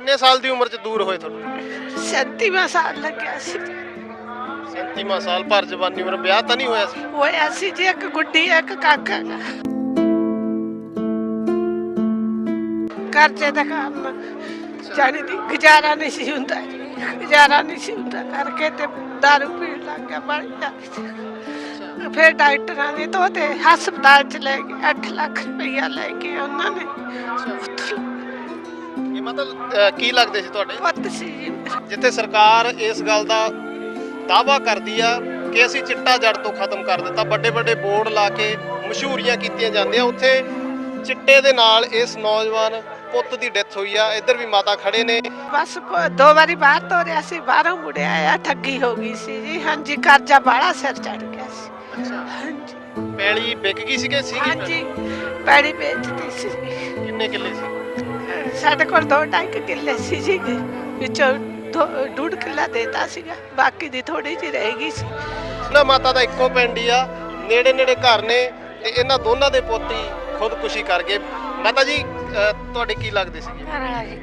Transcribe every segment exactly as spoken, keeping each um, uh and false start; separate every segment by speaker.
Speaker 1: ਕਿੰਨੇ ਸਾਲ ਦੀ ਉਮਰ 'ਚ ਦੂਰ ਹੋਏ ਤੁਹਾਨੂੰ?
Speaker 2: ਸੈਂਤੀਵਾਂ ਸਾਲ ਲੱਗਿਆ ਸੀ।
Speaker 1: ਸੈਂਤੀਵਾਂ ਸਾਲ ਭਰ ਜਵਾਨੀ ਉਮਰ, ਵਿਆਹ ਤਾਂ ਨਹੀਂ ਹੋਇਆ ਸੀ?
Speaker 2: ਹੋਇਆ ਸੀ ਜੀ, ਇੱਕ ਗੁੱਡੀ ਇੱਕ ਕਾਕਾ ਗਾ। ਕਰਜ਼ੇ ਦਾ ਕੰਮ ਜਾਣੀ ਦੀ ਗੁਜ਼ਾਰਾ ਨਹੀਂ ਸੀ ਹੁੰਦਾ ਜੀ, ਗੁਜ਼ਾਰਾ ਨਹੀਂ ਸੀ ਹੁੰਦਾ ਕਰਕੇ ਤੇ ਦਾਰੂ ਪੀਣ ਲੱਗ ਗਿਆ ਬੜੀ ਜ਼ਿਆਦਾ। ਫਿਰ ਡਾਕਟਰਾਂ ਨੇ ਤਾਂ ਤੇ ਹਸਪਤਾਲ ਚ ਲੈ ਗਏ, ਅੱਠ ਲੱਖ ਰੁਪਈਆ ਲੈ ਕੇ ਉਹਨਾਂ ਨੇ।
Speaker 1: ਇਹ ਮਤਲਬ ਅਹ, ਕੀ ਲੱਗਦੇ ਸੀ ਤੁਹਾਡੇ?
Speaker 2: ਪੁੱਤ ਸੀ ਜੀ ਮੇਰਾ।
Speaker 1: ਜਿੱਥੇ ਸਰਕਾਰ ਇਸ ਗੱਲ ਦਾ ਦਾਅਵਾ ਕਰਦੀ ਆ ਕਿ ਅਸੀਂ ਚਿੱਟਾ ਜੜ ਤੋਂ ਖਤਮ ਕਰ ਦਿੱਤਾ, ਵੱਡੇ ਵੱਡੇ ਬੋਰਡ ਲਾ ਕੇ ਮਸ਼ਹੂਰੀਆਂ ਕੀਤੀਆਂ ਜਾਂਦੀਆਂ, ਉੱਥੇ ਚਿੱਟੇ ਦੇ ਨਾਲ ਇਸ ਨੌਜਵਾਨ ਪੁੱਤ ਦੀ ਡੈਥ ਹੋਈ ਆ। ਇੱਧਰ ਵੀ ਮਾਤਾ ਖੜੇ ਨੇ।
Speaker 2: ਬਸ ਪ- ਦੋ ਵਾਰੀ ਬਾਹਰ ਤੋਰਿਆ ਸੀ, ਬਾਹਰੋਂ ਮੁੜਿਆ ਆ, ਠੱਗੀ ਹੋ ਗਈ ਸੀ ਜੀ। ਹਾਂਜੀ, ਕਰਜ਼ਾ ਬਾਹਲਾ ਸਿਰ ਚੜ ਗਿਆ ਸੀ। ਹਾਂਜੀ
Speaker 1: ਪੈਲੀ ਵਿਕ ਗਈ ਸੀ ਕਿ ਸੀਗੀ?
Speaker 2: ਹਾਂਜੀ, ਪੈੜੀ ਵੇਚਦੀ ਸੀ।
Speaker 1: ਕਿੰਨੇ ਕਿੱਲੇ ਸੀ?
Speaker 2: ਸਾਡੇ ਕੋਲ ਦੋ ਢਾਈ ਕੁ ਕਿੱਲੇ ਸੀ ਜੀ, ਵਿੱਚੋਂ ਦੋ- ਡੂਢ ਕਿੱਲਾ ਦੇਤਾ ਸੀਗਾ, ਬਾਕੀ ਦੀ ਥੋੜੀ ਜਿਹੀ ਰਹਿ ਗਈ ਸੀ।
Speaker 1: ਨਾ ਮਾਤਾ ਦਾ ਇੱਕੋ ਪਿੰਡ ਹੀ ਆ, ਨੇੜੇ ਨੇੜੇ ਘਰ ਨੇ, ਤੇ ਇਹਨਾਂ ਦੋਨਾਂ ਦੇ ਪੋਤੀ ਖੁਦਕੁਸ਼ੀ ਕਰ ਗਏ। ਮਾਤਾ ਜੀ ਅਹ, ਤੁਹਾਡੇ ਕੀ ਲੱਗਦੇ ਸੀਗੇ?
Speaker 3: ਘਰ ਵਾਲਾ ਜੀ।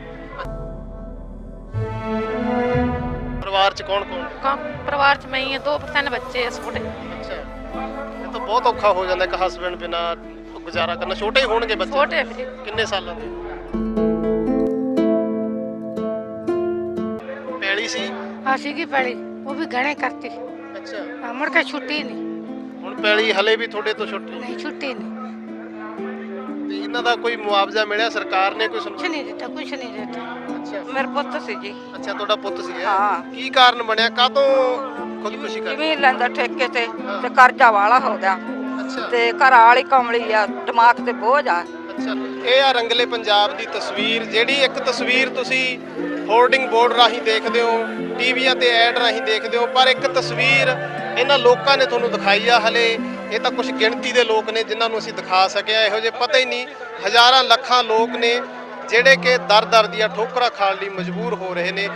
Speaker 1: ਪਰਿਵਾਰ 'ਚ ਕੌਣ ਕੌਣ?
Speaker 3: ਕੰਮ ਪਰਿਵਾਰ ਚ ਮੈਂ ਹੀ ਹਾਂ, ਦੋ ਤਿੰਨ ਬੱਚੇ ਆ ਛੋਟੇ।
Speaker 1: ਅੱਛਾ, ਇਹ ਤਾਂ ਬਹੁਤ ਔਖਾ ਹੋ ਜਾਂਦਾ ਇੱਕ ਹਸਬੈਂਡ ਬਿਨਾ ਗੁਜ਼ਾਰਾ ਕਰਨਾ। ਛੋਟੇ ਹੀ ਹੋਣਗੇ ਬੱਚੇ?
Speaker 3: ਛੋਟੇ ਵੀਰੇ।
Speaker 1: ਕਿੰਨੇ ਸਾਲਾਂ ਦੇ? ਪੈਲੀ ਸੀ?
Speaker 3: ਆ ਸੀਗੀ ਪੈਲੀ, ਉਹ ਵੀ ਗਹਿਣੇ ਕਰਤੀ।
Speaker 1: ਅੱਛਾ,
Speaker 3: ਆ ਮੁੜ ਕੇ ਛੁੱਟੀ ਨਹੀਂ।
Speaker 1: ਹੁਣ ਪੈਲੀ ਹਲੇ ਵੀ ਤੁਹਾਡੇ ਤੋਂ ਛੁੱਟੀ?
Speaker 3: ਨਹੀਂ ਛੁੱਟੀ ਨਹੀਂ,
Speaker 1: ਤੇ ਇਹਨਾਂ ਦਾ ਕੋਈ ਮੁਆਵਜ਼ਾ ਮਿਲਿਆ ਸਰਕਾਰ ਨੇ? ਕੋਈ
Speaker 3: ਕੁਛ
Speaker 1: ਸਮਝ?
Speaker 3: ਨਹੀਂ ਦਿੱਤਾ, ਕੁਛ ਨਹੀਂ ਦਿੱਤਾ।
Speaker 1: ਅੱਛਾ
Speaker 3: ਮੇਰਾ ਪੁੱਤ ਸੀ ਜੀ।
Speaker 1: ਅੱਛਾ, ਤੁਹਾਡਾ ਪੁੱਤ ਸੀ?
Speaker 3: ਹਾਂ।
Speaker 1: ਕੀ ਕਾਰਨ ਬਣਿਆ, ਕਾਹਤੋਂ ਖੁਦਕੁਸ਼ੀ ਕਰ?
Speaker 3: ਜ਼ਮੀਨ ਲੈਂਦਾ ਠੇਕੇ ਤੇ ਤੇ ਕਰਜ਼ਾ ਵਾਲਾ ਹੋ ਗਿਆ,
Speaker 1: ਅੱਛਾ
Speaker 3: ਤੇ ਘਰ ਵਾਲੀ ਕਮਲੀ ਆ, ਦਿਮਾਗ ਤੇ ਬੋਝ ਆ।
Speaker 1: ਅੱਛਾ, ਇਹ ਆ ਰੰਗਲੇ ਪੰਜਾਬ ਦੀ ਤਸਵੀਰ, ਜਿਹੜੀ ਇੱਕ ਤਸਵੀਰ ਤੁਸੀਂ ਹੋਰਡਿੰਗ ਬੋਰਡ ਰਾਹੀਂ ਦੇਖਦੇ ਹੋ, ਟੀਵੀਆਂ ਤੇ ਐਡ ਰਾਹੀਂ ਦੇਖਦੇ ਹੋ, ਪਰ ਇੱਕ ਤਸਵੀਰ ਇਹਨਾਂ ਲੋਕਾਂ ਨੇ ਤੁਹਾਨੂੰ ਦਿਖਾਈ ਆ। ਹਲੇ ਇਹ ਤਾਂ ਕੁਝ ਗਿਣਤੀ ਦੇ ਲੋਕ ਨੇ ਜਿਨ੍ਹਾਂ ਨੂੰ ਅਸੀਂ ਦਿਖਾ ਸਕਿਆ, ਇਹੋ ਜਿਹੇ ਪਤਾ ਹੀ ਨਹੀਂ ਹਜ਼ਾਰਾਂ ਲੱਖਾਂ ਲੋਕ ਨੇ ਜਿਹੜੇ ਕਿ ਦਰ ਦਰ ਦੀਆਂ ਠੋਕਰਾਂ ਖਾਣ ਲਈ ਮਜਬੂਰ ਹੋ ਰਹੇ ਨੇ।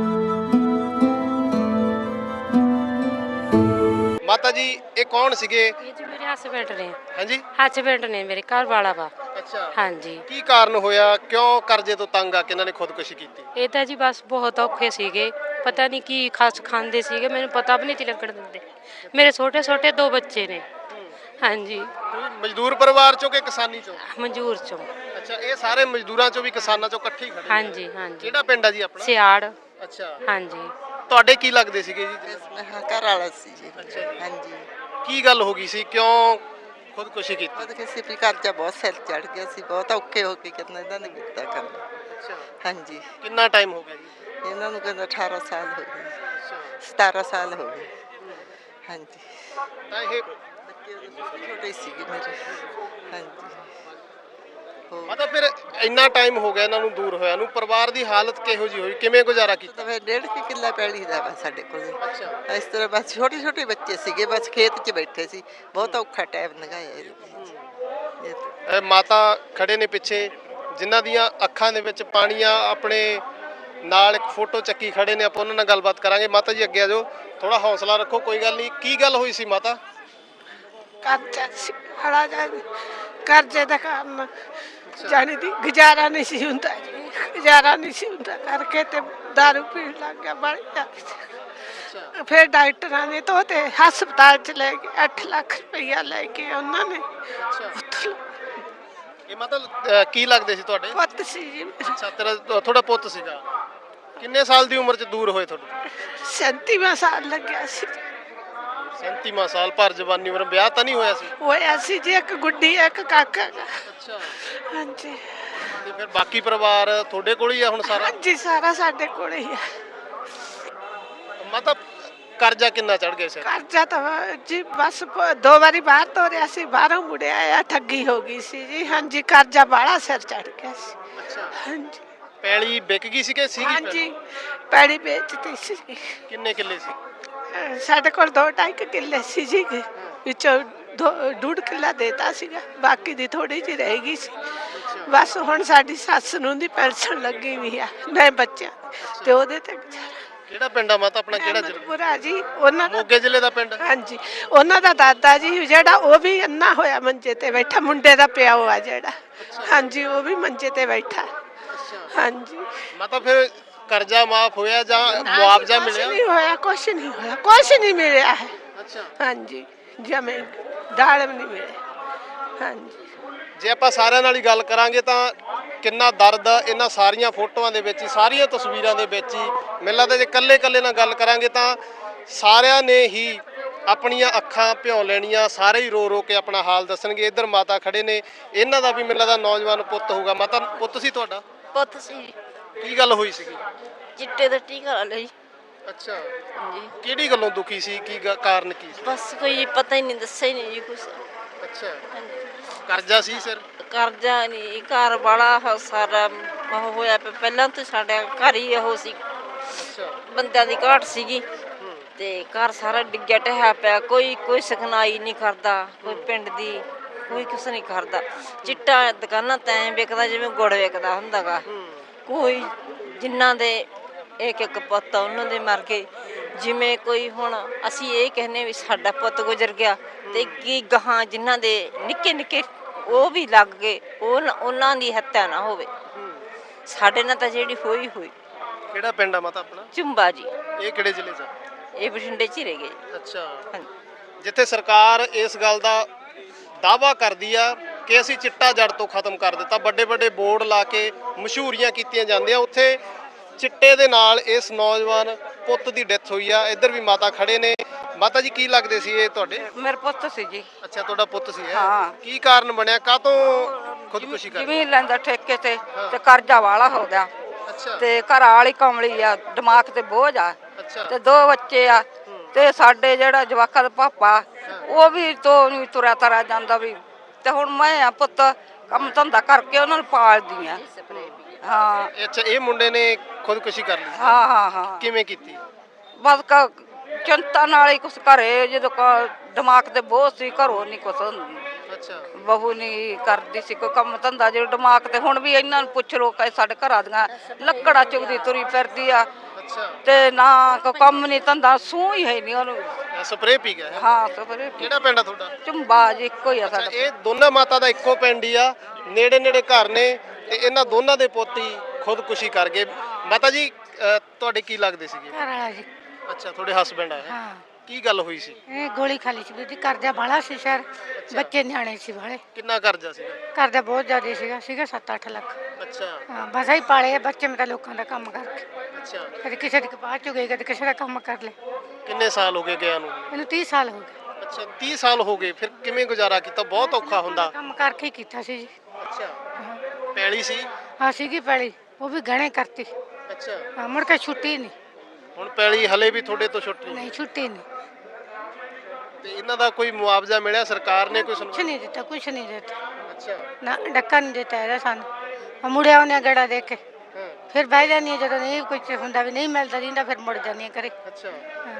Speaker 1: ਮਾਤਾ ਜੀ ਇਹ ਕੌਣ ਸੀਗੇ?
Speaker 4: ਇਹ ਜੀ ਮੇਰੇ ਹਸਬੈਂਡ ਨੇ।
Speaker 1: ਹਾਂਜੀ,
Speaker 4: ਹਸਬੈਂਡ ਨੇ ਮੇਰੇ, ਘਰ ਵਾਲਾ ਵਾ।
Speaker 1: ਅੱਛਾ,
Speaker 4: ਹਾਂਜੀ।
Speaker 1: ਕੀ ਕਾਰਨ ਹੋਇਆ, ਕਿਉਂ ਕਰਜ਼ੇ ਤੋਂ ਤੰਗ ਆ ਕੇ ਇਹਨਾਂ ਨੇ ਖੁਦਕੁਸ਼ੀ ਕੀਤੀ?
Speaker 4: ਇਹ ਤਾਂ ਜੀ ਬਸ ਬਹੁਤ ਔਖੇ ਸੀਗੇ, ਪਤਾ ਨਹੀਂ ਕੀ ਖਾਸ ਖਾਂਦੇ ਸੀਗੇ, ਮੈਨੂੰ ਪਤਾ ਵੀ ਨਹੀਂ ਸੀ ਲੱਗਣ ਦਿੰਦੇ। ਮੇਰੇ ਛੋਟੇ ਛੋਟੇ ਦੋ ਬੱਚੇ ਨੇ। ਹਾਂਜੀ।
Speaker 1: ਤੁਸੀਂ ਮਜ਼ਦੂਰ ਪਰਿਵਾਰ ਚੋਂ ਕਿ ਕਿਸਾਨੀ ਚੋਂ?
Speaker 4: ਮਨਜ਼ੂਰ ਚੋਂ।
Speaker 1: ਅੱਛਾ, ਇਹ ਸਾਰੇ ਮਜ਼ਦੂਰਾਂ ਚੋਂ ਵੀ ਕਿਸਾਨਾਂ ਚੋਂ ਇਕੱਠੇ ਹੀ ਖੜੇ ਨੇ?
Speaker 4: ਹਾਂਜੀ ਹਾਂਜੀ।
Speaker 1: ਕਿਹੜਾ ਪਿੰਡ ਆ ਜੀ ਆਪਣਾ?
Speaker 4: ਸਿਆੜ।
Speaker 1: ਅੱਛਾ,
Speaker 4: ਹਾਂਜੀ।
Speaker 1: ਤੁਹਾਡੇ ਕੀ ਲੱਗਦੇ ਸੀਗੇ ਜੀ?
Speaker 2: ਹਾਂ, ਘਰ ਵਾਲਾ ਸੀ ਜੀ।
Speaker 1: ਅੱਛਾ ਜੀ।
Speaker 2: ਹਾਂਜੀ,
Speaker 1: ਕੀ ਗੱਲ ਹੋ ਗਈ ਸੀ, ਕਿਉਂ ਖੁਦਕੁਸ਼ੀ ਕੀਤੀ?
Speaker 2: ਉਹਦੇ ਕਿਸੇ ਵੀ ਕਰਜ਼ਾ ਬਹੁਤ ਸਿਰ ਚੜ ਗਿਆ ਸੀ, ਬਹੁਤ ਔਖੇ ਹੋ ਕੇ ਕਿੰਨਾ ਇਹਨਾਂ ਨੇ ਕੀਤਾ ਕੰਮ।
Speaker 1: ਅੱਛਾ,
Speaker 2: ਹਾਂਜੀ,
Speaker 1: ਕਿੰਨਾ ਟਾਈਮ ਹੋ ਗਿਆ ਜੀ?
Speaker 2: ਇਹਨਾਂ ਨੂੰ ਕਹਿੰਦਾ ਅਠਾਰਾਂ ਸਾਲ ਹੋ ਗਏ,
Speaker 1: ਅੱਛਾ,
Speaker 2: ਸਤਾਰਾਂ ਸਾਲ ਹੋ ਗਏ। ਹਾਂਜੀ,
Speaker 1: ਤਾਂ ਇਹ
Speaker 2: ਬੱਚੇ ਉਦੋਂ ਛੋਟੇ ਛੋਟੇ ਸੀਗੇ ਮੇਰੇ। ਹਾਂਜੀ, ਹੋ
Speaker 1: ਮਤਲਬ ਫਿਰ ਇੰਨਾ ਟਾਈਮ ਹੋ ਗਿਆ ਇਹਨਾਂ ਨੂੰ ਦੂਰ ਹੋਇਆ ਨੂੰ, ਪਰਿਵਾਰ ਦੀ ਹਾਲਤ ਕਿਹੋ ਜੀ ਹੋਈ, ਕਿਵੇਂ ਗੁਜ਼ਾਰਾ ਕੀਤਾ?
Speaker 2: ਤਾਂ ਫਿਰ ਡੇਢ ਕੁ ਕਿੱਲਾ ਪੈਲੀ ਦਾ ਵਾ ਸਾਡੇ ਕੋਲ।
Speaker 1: ਅੱਛਾ,
Speaker 2: ਇਸ ਤਰ੍ਹਾਂ ਬਸ ਛੋਟੇ ਛੋਟੇ ਬੱਚੇ ਸੀਗੇ, ਬਸ ਖੇਤ 'ਚ ਬੈਠੇ ਸੀ, ਬਹੁਤ ਔਖਾ ਟਾਈਮ ਲੰਘਾਇਆ ਇਹਦੇ ਵਿੱਚ। ਇਹ ਤਾਂ
Speaker 1: ਇਹ ਮਾਤਾ ਖੜੇ ਨੇ ਪਿੱਛੇ, ਜਿਨ੍ਹਾਂ ਦੀਆਂ ਅੱਖਾਂ ਦੇ ਵਿੱਚ ਪਾਣੀ ਆ, ਆਪਣੇ ਨਾਲ ਇੱਕ ਫੋਟੋ ਚੱਕੀ ਖੜੇ ਨੇ, ਆਪਾਂ ਉਹਨਾਂ ਨਾਲ ਗੱਲਬਾਤ ਕਰਾਂਗੇ। ਮਾਤਾ ਜੀ ਅੱਗੇ ਆ ਜਾਓ, ਥੋੜਾ ਹੌਸਲਾ ਰੱਖੋ, ਕੋਈ ਗੱਲ ਨਹੀਂ। ਕੀ ਗੱਲ ਹੋਈ ਸੀ ਮਾਤਾ?
Speaker 2: ਕਰਜ਼ਾ ਸੀ ਬੜਾ ਜ਼ਿਆਦਾ, ਕਰਜ਼ੇ ਦਾ ਕੰਮ ਜਾਣੀ ਦੀ ਗੁਜ਼ਾਰਾ ਨਹੀਂ ਸੀ ਹੁੰਦਾ ਜੀ, ਗੁਜ਼ਾਰਾ ਨਹੀਂ ਸੀ ਹੁੰਦਾ ਕਰਕੇ ਤੇ ਦਾਰੂ ਪੀਣ ਲੱਗ ਗਿਆ ਬੜੀ ਜ਼ਿਆਦਾ। ਫਿਰ ਡਾਕਟਰਾਂ ਨੇ ਤਾਂ ਤੇ ਹਸਪਤਾਲ ਚ ਲੈ ਗਏ, ਅੱਠ ਲੱਖ ਰੁਪਈਆ ਲੈ ਕੇ ਉਹਨਾਂ ਨੇ। ਉੱਥੋਂ
Speaker 1: ਇਹ ਮਤਲਬ ਅਹ, ਕੀ ਲੱਗਦੇ ਸੀ ਤੁਹਾਡੇ?
Speaker 2: ਪੁੱਤ ਸੀ ਜੀ ਮੇਰਾ।
Speaker 1: ਅੱਛਾ, ਤੇਰਾ ਤੁਹਾਡਾ ਪੁੱਤ ਸੀਗਾ। ਕਿੰਨੇ ਸਾਲ ਦੀ ਉਮਰ 'ਚ ਦੂਰ ਹੋਏ ਤੁਹਾਡੇ?
Speaker 2: ਸੈਂਤੀਵਾਂ ਸਾਲ ਲੱਗਿਆ ਸੀ।
Speaker 1: ਸੈਂਤੀਵਾਂ ਸਾਲ ਭਰ ਜਵਾਨੀ ਉਮਰ, ਵਿਆਹ ਤਾਂ ਨਹੀਂ ਹੋਇਆ ਸੀ?
Speaker 2: ਹੋਇਆ ਸੀ ਜੀ, ਇੱਕ ਗੁੱਡੀ ਇੱਕ ਕਾਕਾ ਗਾ।
Speaker 1: ਅੱਛਾ,
Speaker 2: ਹਾਂਜੀ
Speaker 1: ਤੇ ਫਿਰ ਬਾਕੀ ਪਰਿਵਾਰ ਤੁਹਾਡੇ ਕੋਲ ਹੀ ਆ ਹੁਣ ਸਾਰਾ?
Speaker 2: ਹਾਂਜੀ, ਸਾਰਾ ਸਾਡੇ ਕੋਲ ਹੀ ਆ।
Speaker 1: ਮਤਲਬ ਕਰਜ਼ਾ ਕਿੰਨਾ ਚੜ ਗਿਆ ਸੀ?
Speaker 2: ਕਰਜ਼ਾ ਤਾਂ ਜੀ ਬਸ ਪ- ਦੋ ਵਾਰੀ ਬਾਹਰ ਤੋਰਿਆ ਸੀ, ਬਾਹਰੋਂ ਮੁੜਿਆ ਆ, ਠੱਗੀ ਹੋ ਗਈ ਸੀ ਜੀ। ਹਾਂਜੀ, ਕਰਜ਼ਾ ਬਾਹਲਾ ਸਿਰ ਚੜ ਗਿਆ ਸੀ।
Speaker 1: ਅੱਛਾ,
Speaker 2: ਹਾਂਜੀ
Speaker 1: ਪੈਲੀ ਵਿਕ ਗਈ ਸੀ ਕਿ ਸੀਗੀ?
Speaker 2: ਹਾਂਜੀ, ਪੈੜੀ ਵੇਚਦੀ ਸੀ।
Speaker 1: ਕਿੰਨੇ ਕਿੱਲੇ ਸੀ?
Speaker 2: ਅਹ ਸਾਡੇ ਕੋਲ ਦੋ ਢਾਈ ਕੁ ਕਿੱਲੇ ਸੀ ਜੀ, ਵਿੱਚੋਂ ਦੋ- ਡੂਢ ਕਿੱਲਾ ਦੇਤਾ ਸੀਗਾ, ਬਾਕੀ ਦੀ ਥੋੜੀ ਜਿਹੀ ਰਹਿ ਗਈ ਸੀ। ਬਸ ਹੁਣ ਸਾਡੀ ਸੱਸ ਨੂੰ ਦੀ ਪੈਨਸ਼ਨ ਲੱਗੀ ਵੀ ਆ, ਨਹੀਂ ਬੱਚਿਆਂ ਦੀ, ਤੇ ਉਹਦੇ ਤੇ ਗੁਜ਼ਾਰਾ।
Speaker 1: ਕਿਹੜਾ ਪਿੰਡ ਆ ਮਾਤਾ ਆਪਣਾ? ਕਿਹੜਾ ਜ਼ਿਲ੍ਹਾ?
Speaker 2: ਅਹਿਮਦਪੁਰਾ ਜੀ ਉਹਨਾਂ ਦਾ।
Speaker 1: ਮੋਗੇ ਜ਼ਿਲ੍ਹੇ ਦਾ ਪਿੰਡ?
Speaker 2: ਹਾਂਜੀ, ਉਹਨਾਂ ਦਾ ਦਾਦਾ ਜੀ ਜਿਹੜਾ, ਉਹ ਵੀ ਅੰਨਾ ਹੋਇਆ ਮੰਜੇ ਤੇ ਬੈਠਾ, ਮੁੰਡੇ ਦਾ ਪਿਓ ਆ ਜਿਹੜਾ। ਹਾਂਜੀ, ਉਹ ਵੀ ਮੰਜੇ ਤੇ ਬੈਠਾ। ਹਾਂਜੀ
Speaker 1: ਮਤਲਬ ਫਿਰ ਕਰਜ਼ਾ ਮਾਫ ਹੋਇਆ ਜਾਂ ਮੁਆਵਜ਼ਾ
Speaker 2: ਕੁਛ
Speaker 1: ਮਿਲਿਆ?
Speaker 2: ਨਹੀਂ ਹੋਇਆ, ਕੁਛ ਨਹੀਂ ਹੋਇਆ, ਕੁਛ ਨਹੀਂ ਮਿਲਿਆ ਹੈ।
Speaker 1: ਅੱਛਾ,
Speaker 2: ਹਾਂਜੀ ਜਮੇ ਦਾਲ ਵੀ ਨਹੀਂ ਮਿਲਿਆ। ਹਾਂਜੀ
Speaker 1: ਜੇ ਆਪਾਂ ਸਾਰਿਆਂ ਨਾਲ ਹੀ ਗੱਲ ਕਰਾਂਗੇ ਤਾਂ ਕਿੰਨਾ ਦਰਦ ਇਹਨਾਂ ਸਾਰੀਆਂ ਫੋਟੋਆਂ ਦੇ ਵਿੱਚ ਹੀ, ਸਾਰੀਆਂ ਤਸਵੀਰਾਂ ਦੇ ਵਿੱਚ ਹੀ ਮੈਨੂੰ ਲੱਗਦਾ। ਜੇ ਇਕੱਲੇ ਇਕੱਲੇ ਨਾਲ ਗੱਲ ਕਰਾਂਗੇ ਤਾਂ ਸਾਰਿਆਂ ਨੇ ਹੀ ਆਪਣੀਆਂ ਅੱਖਾਂ ਭਿਉਂ ਲੈਣੀਆਂ, ਸਾਰੇ ਹੀ ਰੋ ਰੋ ਕੇ ਆਪਣਾ ਹਾਲ ਦੱਸਣਗੇ। ਇੱਧਰ ਮਾਤਾ ਖੜੇ ਨੇ, ਇਹਨਾਂ ਦਾ ਵੀ ਮੈਨੂੰ ਲੱਗਦਾ ਨੌਜਵਾਨ ਪੁੱਤ ਹੋਊਗਾ। ਮਾਤਾ ਪੁੱਤ ਸੀ ਤੁਹਾਡਾ?
Speaker 5: ਪੁੱਤ ਸੀ,
Speaker 1: ਕੀ ਗੱਲ ਹੋਈ ਸੀਗੀ?
Speaker 5: ਚਿੱਟੇ ਦਾ ਟੀਕਾ ਲਾ ਲਿਆ ਜੀ।
Speaker 1: ਅੱਛਾ,
Speaker 5: ਹਾਂਜੀ
Speaker 1: ਕਿਹੜੀ ਗੱਲੋਂ ਦੁਖੀ ਸੀ? ਕੀ ਗ- ਕਾਰਨ ਕੀ ਸੀ?
Speaker 5: ਬਸ ਕੋਈ ਪਤਾ ਹੀ ਨਹੀਂ, ਦੱਸਿਆ ਹੀ ਨਹੀਂ ਜੀ ਕੁਛ।
Speaker 1: ਅੱਛਾ, ਕਰਜ਼ਾ ਸੀ ਸਿਰ?
Speaker 5: ਕਰਜ਼ਾ ਨਹੀਂ, ਘਰ ਵਾਲਾ ਸਾਰਾ ਉਹ ਹੋਇਆ ਪਿਆ। ਪਹਿਲਾਂ ਤੋਂ ਸਾਡਾ ਘਰ ਹੀ ਉਹ ਸੀ,
Speaker 1: ਅੱਛਾ,
Speaker 5: ਬੰਦਿਆਂ ਦੀ ਘਾਟ ਸੀਗੀ ਤੇ ਘਰ ਸਾਰਾ ਡਿੱਗਿਆ ਢਹਿਆ ਪਿਆ। ਕੋਈ ਕੋਈ ਸਿਖਨਾਈ ਨਹੀਂ ਕਰਦਾ, ਕੋਈ ਪਿੰਡ ਦੀ ਕੋਈ ਕੁਛ ਨਹੀਂ ਕਰਦਾ। ਚਿੱਟਾ ਦੁਕਾਨਾਂ ਤਾਂ ਐਂ ਵਿਕਦਾ ਜਿਵੇਂ ਗੁੜ ਵਿਕਦਾ ਹੁੰਦਾ ਗਾ। ਕੋਈ ਜਿਨ੍ਹਾਂ ਦੇ ਇੱਕ ਇੱਕ ਪੁੱਤ ਆ, ਉਹਨਾਂ ਦੇ ਮਰ ਗਏ। ਜਿਵੇਂ ਕੋਈ ਹੁਣ ਅਸੀਂ ਇਹ ਕਹਿੰਦੇ ਵੀ ਸਾਡਾ ਪੁੱਤ ਗੁਜ਼ਰ ਗਿਆ ਤੇ ਕੀ ਗਾਹਾਂ ਜਿਨ੍ਹਾਂ ਦੇ ਨਿੱਕੇ ਨਿੱਕੇ ਉਹ ਵੀ ਲੱਗ ਗਏ, ਉਹ ਨਾ- ਉਹਨਾਂ ਦੀ ਹੱਤਿਆ ਨਾ ਹੋਵੇ। ਸਾਡੇ ਨਾਲ ਤਾਂ ਜਿਹੜੀ ਹੋਈ ਹੋਈ।
Speaker 1: ਕਿਹੜਾ ਪਿੰਡ ਆ ਮਾਤਾ ਆਪਣਾ?
Speaker 5: ਚੁੰਬਾ ਜੀ,
Speaker 1: ਇਹ ਕਿਹੜੇ ਜ਼ਿਲ੍ਹੇ 'ਚ ਆ?
Speaker 5: ਇਹ ਬਠਿੰਡੇ 'ਚ ਹੀ ਰਹਿ ਗਏ।
Speaker 1: ਅੱਛਾ,
Speaker 5: ਹਾਂਜੀ।
Speaker 1: ਜਿੱਥੇ ਸਰਕਾਰ ਇਸ ਗੱਲ ਦਾ ਦਾਅਵਾ ਕਰਦੀ ਆ ਕਿ ਅਸੀਂ ਚਿੱਟਾ ਜੜ ਤੋਂ ਖਤਮ ਕਰ ਦਿੱਤਾ, ਵੱਡੇ ਵੱਡੇ ਬੋਰਡ ਲਾ ਕੇ ਮਸ਼ਹੂਰੀਆਂ ਕੀਤੀਆਂ ਜਾਂਦੀਆਂ, ਉੱਥੇ ਚਿੱਟੇ ਦੇ ਨਾਲ ਇਸ ਨੌਜਵਾਨ ਪੁੱਤ ਦੀ ਡੈਥ ਹੋਈ ਆ। ਇੱਧਰ ਵੀ ਮਾਤਾ ਖੜੇ ਨੇ। ਮਾਤਾ ਜੀ ਕੀ ਲੱਗਦੇ ਸੀ ਇਹ ਤੁਹਾਡੇ?
Speaker 3: ਮੇਰੇ ਪੁੱਤ ਸੀ ਜੀ।
Speaker 1: ਅੱਛਾ, ਤੁਹਾਡਾ ਪੁੱਤ ਸੀ ਇਹ?
Speaker 3: ਹਾਂ।
Speaker 1: ਕੀ ਕਾਰਨ ਬਣਿਆ, ਕਾਹਤੋਂ ਖੁਦਕੁਸ਼ੀ ਕਰ?
Speaker 3: ਜ਼ਮੀਨ ਲੈਂਦਾ ਠੇਕੇ ਤੇ ਤੇ ਕਰਜ਼ਾ ਵਾਲਾ ਹੋ ਗਿਆ
Speaker 1: ਅੱਛਾ,
Speaker 3: ਤੇ ਘਰ ਵਾਲੀ ਕਮਲੀ ਆ, ਦਿਮਾਗ ਤੇ ਬੋਝ ਆ
Speaker 1: ਅੱਛਾ,
Speaker 3: ਤੇ ਦੋ ਬੱਚੇ ਆ ਤੇ ਸਾਡੇ ਜਿਹੜਾ ਜਵਾਕਾਂ ਦਾ ਪਾਪਾ ਉਹ ਵੀ ਤੋਂ ਨਹੀਂ ਤੁਰਿਆ ਤਰਾ ਜਾਂਦਾ ਵੀ। ਤੇ ਹੁਣ ਮੈਂ ਆ ਪੁੱਤ ਕੰਮ ਧੰਦਾ ਕਰਕੇ ਉਹਨਾਂ ਨੂੰ ਪਾਲਦੀ ਆ। ਹਾਂ
Speaker 1: ਅੱਛਾ, ਇਹ ਮੁੰਡੇ ਨੇ ਖੁਦਕੁਸ਼ੀ ਕਰ ਲਈ?
Speaker 3: ਹਾਂ ਹਾਂ ਹਾਂ
Speaker 1: ਕਿਵੇਂ ਕੀਤੀ?
Speaker 3: ਬਸ ਕ- ਚਿੰਤਾ ਨਾਲ ਹੀ ਕੁਛ ਘਰੇ ਜਦੋਂ ਕ- ਦਿਮਾਗ ਤੇ ਬੋਝ ਸੀ, ਘਰੋਂ ਨਹੀਂ ਕੁਛ
Speaker 1: ਅੱਛਾ,
Speaker 3: ਬਹੂ ਨਹੀਂ ਕਰਦੀ ਸੀ ਕੋਈ ਕੰਮ ਧੰਦਾ ਜਿਹੜਾ ਦਿਮਾਗ ਤੇ। ਹੁਣ ਵੀ ਇਹਨਾਂ ਨੂੰ ਪੁੱਛ ਲੋ ਕਿ ਸਾਡੇ ਘਰਾਂ ਦੀਆਂ ਲੱਕੜਾਂ ਚੁਗਦੀ ਤੁਰੀ ਫਿਰਦੀ ਆ
Speaker 1: ਅੱਛਾ,
Speaker 3: ਤੇ ਨਾ ਕੋਈ ਕੰਮ ਨਹੀਂ ਧੰਦਾ, ਸੂਹ ਹੀ ਹੈ ਨਹੀਂ ਉਹਨੂੰ।
Speaker 1: ਸਪਰੇਅ ਪੀ ਗਿਆ ਹੈ?
Speaker 3: ਹਾਂ ਸਬਰੇ
Speaker 1: ਕਿਹੜਾ ਪਿੰਡ ਆ ਤੁਹਾਡਾ?
Speaker 3: ਚੁੰਬਾ ਜੀ, ਇੱਕੋ ਹੀ ਆ
Speaker 1: ਅੱਛਾ,
Speaker 3: ਸਾਡਾ।
Speaker 1: ਇਹ ਦੋਨਾਂ ਮਾਤਾ ਦਾ ਇੱਕੋ ਪਿੰਡ ਹੀ ਆ, ਨੇੜੇ ਨੇੜੇ ਘਰ ਨੇ ਤੇ ਇਹਨਾਂ ਦੋਨਾਂ ਦੇ ਪੋਤੀ ਖੁਦਕੁਸ਼ੀ ਕਰ ਗਏ। ਮਾਤਾ ਜੀ ਅਹ, ਤੁਹਾਡੇ ਕੀ ਲੱਗਦੇ ਸੀਗੇ?
Speaker 2: ਘਰ ਵਾਲਾ ਜੀ।
Speaker 1: ਅੱਛਾ, ਤੁਹਾਡੇ ਹਸਬੈਂਡ ਆ?
Speaker 2: ਹਾਂ
Speaker 1: ਕੀ ਗੱਲ ਹੋਈ ਸੀ?
Speaker 2: ਇਹ ਗੋਲੀ ਖਾ ਲਈ ਸੀ ਵੀਰ ਜੀ। ਕਰਜ਼ਾ ਬਾਲਾ ਸੀ ਸ਼ਹਿਰ, ਬੱਚੇ ਨਿਆਣੇ ਸੀ ਵਾਲੇ।
Speaker 1: ਕਿੰਨਾ ਕਰਜ਼ਾ ਸੀਗਾ?
Speaker 2: ਕਰਜ਼ਾ ਬਹੁਤ ਜ਼ਿਆਦਾ ਸੀਗਾ ਸੀਗਾ ਸੱਤ ਅੱਠ ਲੱਖ।
Speaker 1: ਅੱਛਾ,
Speaker 2: ਹਾਂ ਬਸ ਹੀ ਪਾਲੇ ਆ ਬੱਚੇ। ਮੈਂ ਤਾਂ ਲੋਕਾਂ ਦਾ ਕੰਮ ਕਰਕੇ
Speaker 1: ਅੱਛਾ,
Speaker 2: ਕਦੇ ਕਿਸੇ ਦੀ ਕਪਾਹ ਚੁ ਗਈ, ਕਦੇ ਕਿਸੇ ਦਾ ਕੰਮ ਕਰ ਲਿਆ।
Speaker 1: ਕਿੰਨੇ ਸਾਲ ਹੋ ਗਏ ਗਿਆ ਨੂੰ?
Speaker 2: ਇਹਨੂੰ ਤੀਹ ਸਾਲ ਹੋ ਗਏ।
Speaker 1: ਅੱਛਾ, ਤੀਹ ਸਾਲ ਹੋ ਗਏ। ਫਿਰ ਕਿਵੇਂ ਗੁਜ਼ਾਰਾ ਕੀਤਾ? ਬਹੁਤ ਔਖਾ ਹੁੰਦਾ।
Speaker 2: ਕੰਮ ਕਰਕੇ ਹੀ ਕੀਤਾ ਸੀ ਜੀ।
Speaker 1: ਅੱਛਾ,
Speaker 2: ਹਾਂ
Speaker 1: ਪੈਲੀ ਸੀ?
Speaker 2: ਹਾਂ ਸੀਗੀ ਪੈਲੀ, ਉਹ ਵੀ ਗਹਿਣੇ ਕਰਤੀ।
Speaker 1: ਅੱਛਾ,
Speaker 2: ਹਾਂ ਮੁੜ ਕੇ ਛੁੱਟੀ ਨਹੀਂ।
Speaker 1: ਹੁਣ ਪੈਲੀ ਹਲੇ ਵੀ ਤੁਹਾਡੇ ਤੋਂ ਛੁੱਟ ਨਹੀਂ?
Speaker 2: ਨਹੀਂ ਛੁੱਟੀ ਨਹੀਂ,
Speaker 1: ਤੇ ਇਹਨਾਂ ਦਾ ਕੋਈ ਮੁਆਵਜ਼ਾ ਮਿਲਿਆ? ਸਰਕਾਰ ਨੇ ਕੋਈ
Speaker 2: ਕੁਛ
Speaker 1: ਸੁਣਵਾਈ?
Speaker 2: ਨਹੀਂ ਦਿੱਤਾ, ਕੁਛ ਨਹੀਂ ਦਿੱਤਾ
Speaker 1: ਅੱਛਾ,
Speaker 2: ਨਾ, ਡੱਕਾ ਨਹੀਂ ਦਿੱਤਾ ਇਹਦਾ ਸਾਨੂੰ। ਆ ਮੁੜਿਆ ਉਹਨੇ ਗੜਾ ਦੇ ਕੇ
Speaker 1: ਹਾਂ,
Speaker 2: ਫਿਰ ਬਹਿ ਜਾਂਦੀ ਹਾਂ, ਜਦੋਂ ਨਹੀਂ ਕੁਝ ਹੁੰਦਾ ਵੀ ਨਹੀਂ ਮਿਲਦਾ ਜਿੰਦਾ ਫਿਰ ਮੁੜ ਜਾਂਦੀ ਹਾਂ ਘਰੇ।
Speaker 1: ਅੱਛਾ,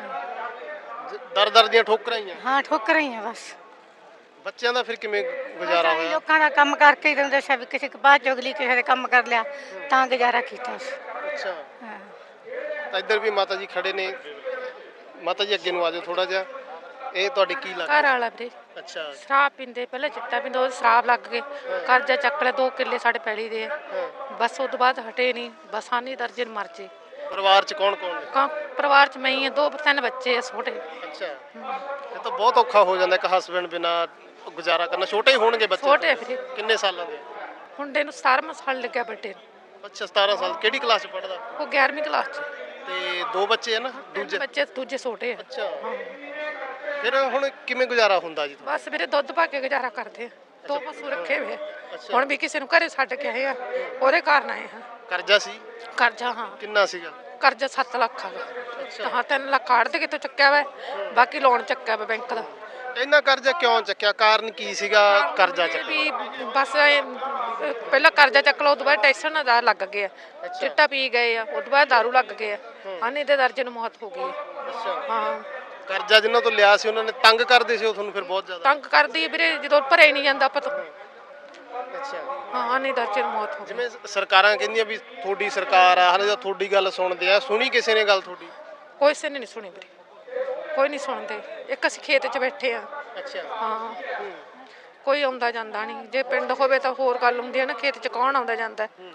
Speaker 2: ਹਾਂ
Speaker 1: ਦਰ ਦਰ ਦੀਆਂ ਠੋਕਰਾਂ ਹੀ ਆ।
Speaker 2: ਹਾਂ ਠੋਕਰਾਂ ਹੀ ਆ ਬਸ।
Speaker 1: ਬੱਚਿਆਂ ਦਾ ਫਿਰ ਕਿਵੇਂ ਗੁਜ਼ਾਰਾ
Speaker 2: ਬਸ ਆਹੀ
Speaker 1: ਹੋਇਆ?
Speaker 2: ਲੋਕਾਂ ਦਾ ਕੰਮ ਕਰਕੇ ਹੀ ਤੁਹਾਨੂੰ ਦੱਸਿਆ ਵੀ ਕਿਸੇ ਕਪਾਹ ਚੁਗਲੀ, ਕਿਸੇ ਦੇ ਕੰਮ ਕਰ ਲਿਆ ਤਾਂ ਗੁਜ਼ਾਰਾ ਕੀਤਾ ਸੀ।
Speaker 1: ਅੱਛਾ,
Speaker 2: ਹਾਂ
Speaker 1: ਤਾਂ ਇੱਧਰ ਵੀ ਮਾਤਾ ਜੀ ਖੜੇ ਨੇ। ਮਾਤਾ ਜੀ ਅੱਗੇ ਨੂੰ ਆ ਜਾਓ ਥੋੜਾ ਜਿਹਾ। ਇਹ ਤੁਹਾਡੇ ਕੀ
Speaker 4: ਘਰ
Speaker 1: ਲੱਗਦਾ?
Speaker 4: ਵਾਲਾ ਵੀਰੇ
Speaker 1: ਅੱਛਾ,
Speaker 4: ਸ਼ਰਾਬ ਪੀਂਦੇ, ਪਹਿਲਾਂ ਚਿੱਟਾ ਪੀਂਦੇ, ਉਹ ਸ਼ਰਾਬ ਲੱਗ ਗਏ, ਕਰਜ਼ਾ ਚੱਕ ਲਿਆ, ਦੋ ਕਿੱਲੇ ਸਾਡੇ ਪੈਲੀ ਦੇ ਆ।
Speaker 1: ਹਾਂ।
Speaker 4: ਬਸ ਉਹ ਤੋਂ ਬਾਅਦ ਹਟੇ ਨਹੀਂ, ਬਸ ਆਨੀ ਦਰਜਨ ਮਰ ਜੇ।
Speaker 1: ਪਰਿਵਾਰ ਚ ਕੌਣ ਕੌਣ ਨੇ?
Speaker 4: ਕਾਂ ਪਰਿਵਾਰ ਚ ਮੈਂ ਹੀ ਆ, ਦੋ ਤਿੰਨ ਬੱਚੇ ਆ ਛੋਟੇ।
Speaker 1: ਅੱਛਾ, ਇਹ ਤਾਂ ਬਹੁਤ ਔਖਾ ਹੋ ਜਾਂਦਾ ਇੱਕ ਹਸਬੈਂਡ ਬਿਨਾ ਗੁਜ਼ਾਰਾ ਕਰਨਾ। ਛੋਟੇ ਹੀ ਹੋਣਗੇ ਬੱਚੇ?
Speaker 4: ਛੋਟੇ ਵੀਰੇ,
Speaker 1: ਕਿੰਨੇ ਸਾਲਾਂ ਦੇ?
Speaker 4: ਮੁੰਡੇ ਨੂੰ ਸਤਾਰਵਾਂ ਸਾਲ ਲੱਗਿਆ, ਵੱਡੇ ਨੂੰ।
Speaker 1: ਅੱਛਾ, ਸਤਾਰਾਂ ਸਾਲ। ਕਿਹੜੀ ਕਲਾਸ ਚ ਪੜਦਾ?
Speaker 4: ਉਹ ਗਿਆਰਵੀਂ ਕਲਾਸ ਚ।
Speaker 1: ਤੇ ਦੋ ਬੱਚੇ ਆ ਨਾ?
Speaker 4: ਤਿੰਨ
Speaker 1: ਦੂਜੇ?
Speaker 4: ਬੱਚੇ ਦੂਜੇ ਛੋਟੇ ਆ।
Speaker 1: ਅੱਛਾ, ਫਿਰ ਹੁਣ ਕਿਵੇਂ ਗੁਜ਼ਾਰਾ ਹੁੰਦਾ ਜੀ ਤੁਹਾਡਾ?
Speaker 4: ਬਸ ਵੀਰੇ ਦੁੱਧ ਪਾ ਕੇ ਗੁਜ਼ਾਰਾ ਕਰਦੇ ਆ, ਦੋ ਪਸ਼ੂ ਰੱਖੇ ਹੋਏ ਆ।
Speaker 1: ਅੱਛਾ।
Speaker 4: ਹੁਣ ਵੀ ਕਿਸੇ ਨੂੰ ਘਰੇ ਛੱਡ ਕੇ ਆਏ ਆ, ਉਹਦੇ ਕਾਰਨ ਆਏ ਆ।
Speaker 1: ਕਰਜ਼ਾ ਸੀ?
Speaker 4: ਕਰਜ਼ਾ, ਹਾਂ
Speaker 1: ਕਿੰਨਾ ਸੀਗਾ?
Speaker 4: ਕਰਜ਼ਾ ਸੱਤ ਲੱਖ ਆ।
Speaker 1: ਅੱਛਾ,
Speaker 4: ਹਾਂ ਤਿੰਨ ਲੱਖ ਕਾਢ ਦੇ ਕਿਤੋਂ ਚੱਕਿਆ ਵਾ, ਬਾਕੀ ਲੋਨ ਚੱਕਿਆ ਵਾ ਬੈਂਕ ਦਾ।
Speaker 1: ਇੰਨਾ ਕਰਜ਼ਾ ਕਿਉਂ ਚੱਕਿਆ? ਕਾਰਨ ਕੀ ਸੀਗਾ ਕਰਜ਼ਾ ਚੱਕਣ?
Speaker 4: ਵੀ ਬਸ ਇਹ, ਪਹਿਲਾਂ ਕਰਜ਼ਾ ਚੱਕ ਲਓ, ਉਦੋਂ ਬਾਅਦ ਟੈਸ਼ਨ ਦਾ ਲੱਗ ਗਿਆ, ਚਿੱਟਾ ਪੀ ਗਏ ਆ, ਉਦੋਂ ਬਾਅਦ ਦਾਰੂ ਲੱਗ ਗਏ ਆ, ਆਨੇ ਦੇ ਦਰਜਨ ਮੌਤ ਹੋ ਗਈ ਆ।
Speaker 1: ਅੱਛਾ,
Speaker 4: ਹਾਂ
Speaker 1: ਕਰਜ਼ਾ ਜਿਨ੍ਹਾਂ ਤੋਂ ਲਿਆ ਸੀ ਉਹਨਾਂ ਨੇ ਤੰਗ ਕਰਦੇ ਸੀ ਉਹ ਤੁਹਾਨੂੰ ਫਿਰ ਬਹੁਤ ਜ਼ਿਆਦਾ?
Speaker 4: ਤੰਗ ਕਰਦੀ ਆ ਵੀਰੇ, ਜਦੋਂ ਭਰਿਆ ਹੀ ਨਹੀਂ ਜਾਂਦਾ ਪਤਾ।
Speaker 1: ਅੱਛਾ,
Speaker 4: ਹਾਂ ਆਨੇ ਦਰਜਨ ਮੌਤ ਹੋ ਗਈ।
Speaker 1: ਜਿਵੇਂ ਸਰਕਾਰਾਂ ਕਹਿੰਦੀਆਂ ਵੀ ਤੁਹਾਡੀ ਸਰਕਾਰ ਆ, ਹਲੇ ਤਾਂ ਤੁਹਾਡੀ ਗੱਲ ਸੁਣਦੇ ਆ, ਸੁਣੀ ਕਿਸੇ ਨੇ ਗੱਲ ਤੁਹਾਡੀ?
Speaker 4: ਕੋਈ ਸੇ ਨੇ ਨਹੀਂ ਸੁਣੀ ਵੀਰੇ, ਕੋਈ ਨਹੀਂ ਸੁਣਦੇ। ਇੱਕ ਅਸੀਂ ਖੇਤ 'ਚ ਬੈਠੇ ਆ।
Speaker 1: ਅੱਛਾ,
Speaker 4: ਹਾਂ ਕੋਈ ਆਉਂਦਾ ਜਾਂਦਾ ਨਹੀਂ। ਜੇ ਪਿੰਡ ਹੋਵੇ ਤਾਂ ਹੋਰ ਗੱਲ ਹੁੰਦੀ ਹੈ ਨਾ, ਖੇਤ 'ਚ ਕੌਣ ਆਉਂਦਾ ਜਾਂਦਾ।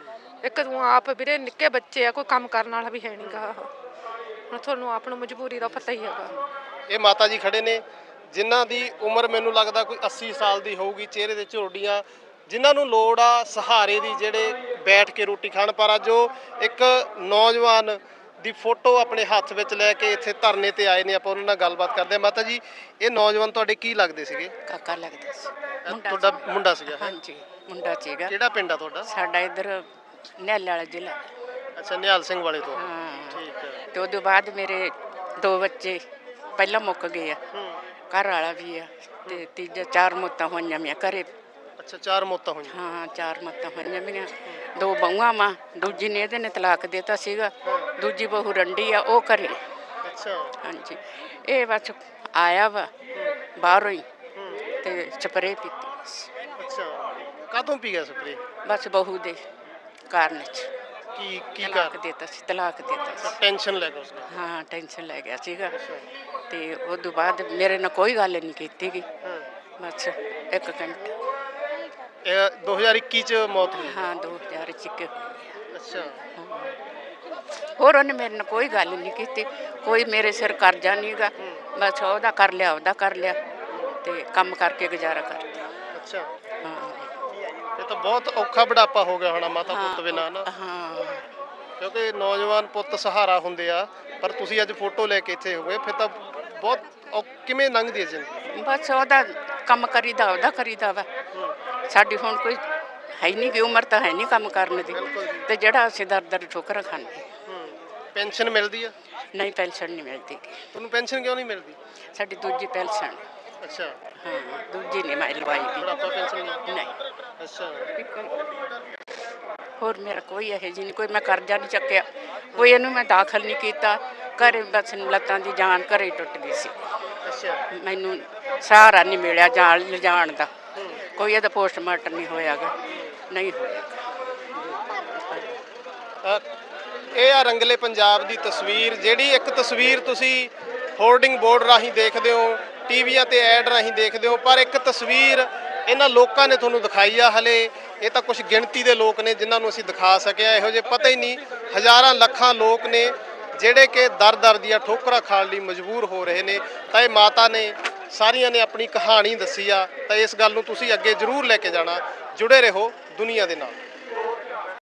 Speaker 6: ਇੱਕ ਤੂੰ ਆਪ ਵੀਰੇ ਨਿੱਕੇ ਬੱਚੇ ਆ, ਕੋਈ ਕੰਮ ਕਰਨ ਵਾਲਾ ਵੀ ਹੈ ਨਹੀਂਗਾ। ਹੁਣ ਤੁਹਾਨੂੰ ਆਪ ਨੂੰ ਮਜਬੂਰੀ ਦਾ ਪਤਾ ਹੀ ਹੈਗਾ।
Speaker 1: ਇਹ ਮਾਤਾ ਜੀ ਖੜੇ ਨੇ ਜਿਨ੍ਹਾਂ ਦੀ ਉਮਰ ਮੈਨੂੰ ਲੱਗਦਾ ਕੋਈ ਅੱਸੀ ਸਾਲ ਦੀ ਹੋਊਗੀ, ਚਿਹਰੇ ਤੇ ਝੁਰੜੀਆਂ, ਜਿਨ੍ਹਾਂ ਨੂੰ ਲੋੜ ਆ ਸਹਾਰੇ ਦੀ, ਜਿਹੜੇ ਬੈਠ ਕੇ ਰੋਟੀ ਖਾਣ। ਪਰ ਅੱਜ ਉਹ ਇੱਕ ਨੌਜਵਾਨ ਦੀ ਫੋਟੋ ਆਪਣੇ ਹੱਥ ਵਿੱਚ ਲੈ ਕੇ ਇੱਥੇ ਧਰਨੇ ਤੇ ਆਏ ਨੇ। ਆਪਾਂ ਉਹਨਾਂ ਨਾਲ ਗੱਲਬਾਤ ਕਰਦੇ ਹਾਂ। ਮਾਤਾ ਜੀ, ਇਹ ਨੌਜਵਾਨ ਤੁਹਾਡੇ ਕੀ ਲੱਗਦੇ ਸੀਗੇ?
Speaker 7: ਕਾਕਾ ਲੱਗਦਾ ਸੀ।
Speaker 1: ਤੁਹਾਡਾ ਮੁੰਡਾ ਸੀਗਾ?
Speaker 7: ਹਾਂਜੀ, ਮੁੰਡਾ ਸੀਗਾ।
Speaker 1: ਕਿਹੜਾ ਪਿੰਡ ਆ ਤੁਹਾਡਾ?
Speaker 7: ਸਾਡਾ ਇੱਧਰ ਨਿਹਾਲ ਵਾਲਾ ਜ਼ਿਲ੍ਹਾ।
Speaker 1: ਅੱਛਾ, ਨਿਹਾਲ ਸਿੰਘ ਵਾਲੇ ਤੋਂ।
Speaker 7: ਹਾਂ,
Speaker 1: ਠੀਕ ਹੈ।
Speaker 7: ਤੇ ਉਹਦੇ ਬਾਅਦ ਮੇਰੇ ਦੋ ਬੱਚੇ ਪਹਿਲਾਂ ਮੁੱਕ ਗਏ ਆ, ਘਰ ਵਾਲਾ ਵੀ ਆ, ਤੇ ਤੀਜਾ ਚਾਰ ਮੌਤਾਂ ਹੋਈਆਂ ਮੇਰੀਆਂ ਘਰੇ।
Speaker 1: ਅੱਛਾ, ਚਾਰ ਮੌਤਾਂ ਹੋਈਆਂ?
Speaker 7: ਹਾਂ, ਚਾਰ ਮੌਤਾਂ ਹੋਈਆਂ ਮੇਰੀਆਂ। ਦੋ ਬਹੂਆਂ ਵਾਂ, ਦੂਜੀ ਨੇ ਇਹਦੇ ਨੇ ਤਲਾਕ ਦੇਤਾ ਸੀਗਾ, ਦੂਜੀ ਬਹੂ ਰੰਡੀ ਆ, ਉਹ ਘਰੇ।
Speaker 1: ਅੱਛਾ।
Speaker 7: ਹਾਂਜੀ, ਇਹ ਬਸ ਆਇਆ ਵਾ ਬਾਹਰੋਂ ਹੀ ਤੇ ਸਪਰੇਅ ਪੀਤੀ ਬਸ।
Speaker 1: ਅੱਛਾ, ਕਾਹਤੋਂ ਪੀ ਗਿਆ ਸਪਰੇ?
Speaker 7: ਬਸ ਬਹੂ ਦੇ ਕਾਰਨ ਚ।
Speaker 1: ਕੀ ਕੀ
Speaker 7: ਤਲਾਕ
Speaker 1: ਕਰ?
Speaker 7: ਦੇਤਾ ਸੀ, ਤਲਾਕ ਦੇਤਾ ਸੀ।
Speaker 1: ਟੈਨਸ਼ਨ ਲੈ ਕੇ ਉਸਨੇ?
Speaker 7: ਹਾਂ, ਟੈਨਸ਼ਨ ਲੈ ਗਿਆ ਸੀਗਾ। ਤੇ ਉਸ ਤੋਂ ਬਾਅਦ ਮੇਰੇ ਨਾਲ ਕੋਈ ਗੱਲ ਨਹੀਂ ਕੀਤੀ ਗਈ, ਬਸ ਇੱਕ ਘੰਟਾ।
Speaker 1: ਇਹ ਦੋ ਹਜ਼ਾਰ ਇੱਕੀ ਚ ਮੌਤ ਹੋਈ?
Speaker 7: ਹਾਂ, ਦੋ ਹਜ਼ਾਰ ਇੱਕੀ।
Speaker 1: ਅੱਛਾ।
Speaker 7: ਹੋਰ ਉਹਨੇ ਮੇਰੇ ਨਾਲ ਕੋਈ ਗੱਲ ਨਹੀਂ ਕੀਤੀ, ਕੋਈ ਮੇਰੇ ਸਿਰ ਕਰਜ਼ਾ ਨਹੀਂਗਾ, ਬਸ ਉਹਦਾ ਕਰ ਲਿਆ, ਉਹਦਾ ਕਰ ਲਿਆ, ਤੇ ਕੰਮ ਕਰਕੇ ਗੁਜ਼ਾਰਾ ਕਰਦਾ।
Speaker 1: ਅੱਛਾ।
Speaker 7: ਹਾਂ
Speaker 1: ਇਹ ਤਾਂ ਬਹੁਤ ਔਖਾ ਬੁਢਾਪਾ ਹੋ ਗਿਆ ਹੋਣਾ ਮਾਤਾ ਪੁੱਤ ਬਿਨਾਂ ਨਾ?
Speaker 7: ਹਾਂ,
Speaker 1: ਕਿਉਂਕਿ ਨੌਜਵਾਨ ਪੁੱਤ ਸਹਾਰਾ ਹੁੰਦੇ ਆ, ਪਰ ਤੁਸੀਂ ਅੱਜ ਫੋਟੋ ਲੈ ਕੇ ਇੱਥੇ ਹੋਏ, ਫਿਰ ਤਾਂ ਬਹੁਤ ਔ- ਕਿਵੇਂ ਲੰਘਦੀ ਹੈ ਜ਼ਿੰਦਗੀ?
Speaker 7: ਬਸ ਉਹਦਾ ਕੰਮ ਕਰੀਦਾ, ਉਹਦਾ ਕਰੀਦਾ ਵਾ। ਸਾਡੀ ਹੁਣ ਕੋਈ ਹੈ ਨਹੀਂ ਗੀ, ਉਮਰ ਤਾਂ ਹੈ ਨਹੀਂ ਕੰਮ ਕਰਨ ਦੀ, ਤੇ ਜਿਹੜਾ ਅਸੀਂ ਦਰ ਦਰ ਠੋਕਰਾਂ ਖਾਂਦੇ।
Speaker 1: ਪੈਨਸ਼ਨ ਮਿਲਦੀ ਆ?
Speaker 7: ਨਹੀਂ, ਪੈਨਸ਼ਨ ਨਹੀਂ ਮਿਲਦੀ।
Speaker 1: ਤੁਹਾਨੂੰ ਪੈਨਸ਼ਨ ਕਿਉਂ ਨਹੀਂ ਮਿਲਦੀ?
Speaker 7: ਸਾਡੀ ਦੂਜੀ ਪੈਨਸ਼ਨ।
Speaker 1: ਅੱਛਾ,
Speaker 7: ਹਾਂ, ਦੂਜੀ ਨਹੀਂ ਮੈਂ ਲਵਾਈ ਦੀ।
Speaker 1: ਬੁਢਾਪਾ ਪੈਨਸ਼ਨ ਨਹੀਂ?
Speaker 7: ਨਹੀਂ,
Speaker 1: ਅੱਛਾ।
Speaker 7: ਹੋਰ ਮੇਰਾ ਕੋਈ ਇਹੋ ਜਿਹੀ ਨਹੀਂ, ਕੋਈ ਮੈਂ ਕਰਜ਼ਾ ਨਹੀਂ ਚੱਕਿਆ, ਕੋਈ ਇਹਨੂੰ ਮੈਂ ਦਾਖਲ ਨਹੀਂ ਕੀਤਾ ਘਰੇ। ਬਸ ਲੱਤਾਂ ਦੀ ਜਾਨ ਘਰੇ ਟੁੱਟ ਗਈ ਸੀ।
Speaker 1: ਅੱਛਾ।
Speaker 7: ਮੈਨੂੰ ਸਹਾਰਾ ਨਹੀਂ ਮਿਲਿਆ ਜਾਨ ਲਿਜਾਣ ਦਾ, ਕੋਈ ਇਹਦਾ ਪੋਸਟਮਾਰਟਮ ਨਹੀਂ ਹੋਇਆਗਾ, ਨਹੀਂ ਹੋਇਆ।
Speaker 1: ਅ, ਇਹ ਆ ਰੰਗਲੇ ਪੰਜਾਬ ਦੀ ਤਸਵੀਰ, ਜਿਹੜੀ ਇੱਕ ਤਸਵੀਰ ਤੁਸੀਂ ਹੋਰਡਿੰਗ ਬੋਰਡ ਰਾਹੀਂ ਦੇਖਦੇ ਹੋ, ਟੀਵੀਆਂ ਤੇ ਐਡ ਰਾਹੀਂ ਦੇਖਦੇ ਹੋ, ਪਰ ਇੱਕ ਤਸਵੀਰ ਇਹਨਾਂ ਲੋਕਾਂ ਨੇ ਤੁਹਾਨੂੰ ਦਿਖਾਈ ਆ। ਹਲੇ ਇਹ ਤਾਂ ਕੁਝ ਗਿਣਤੀ ਦੇ ਲੋਕ ਨੇ ਜਿਨ੍ਹਾਂ ਨੂੰ ਅਸੀਂ ਦਿਖਾ ਸਕਿਆ, ਇਹੋ ਜਿਹੇ ਪਤਾ ਹੀ ਨਹੀਂ ਹਜ਼ਾਰਾਂ ਲੱਖਾਂ ਲੋਕ ਨੇ ਜਿਹੜੇ ਕਿ ਦਰ ਦਰ ਦੀਆਂ ਠੋਕਰਾਂ ਖਾਣ ਲਈ ਮਜਬੂਰ ਹੋ ਰਹੇ ਨੇ। ਤਾਂ ਇਹ ਮਾਤਾ ਨੇ ਸਾਰੀਆਂ ਨੇ ਆਪਣੀ ਕਹਾਣੀ ਦੱਸੀ ਆ, ਤਾਂ ਇਸ ਗੱਲ ਨੂੰ ਤੁਸੀਂ ਅੱਗੇ ਜ਼ਰੂਰ ਲੈ ਕੇ ਜਾਣਾ। ਜੁੜੇ ਰਹੋ ਦੁਨੀਆ ਦੇ ਨਾਲ।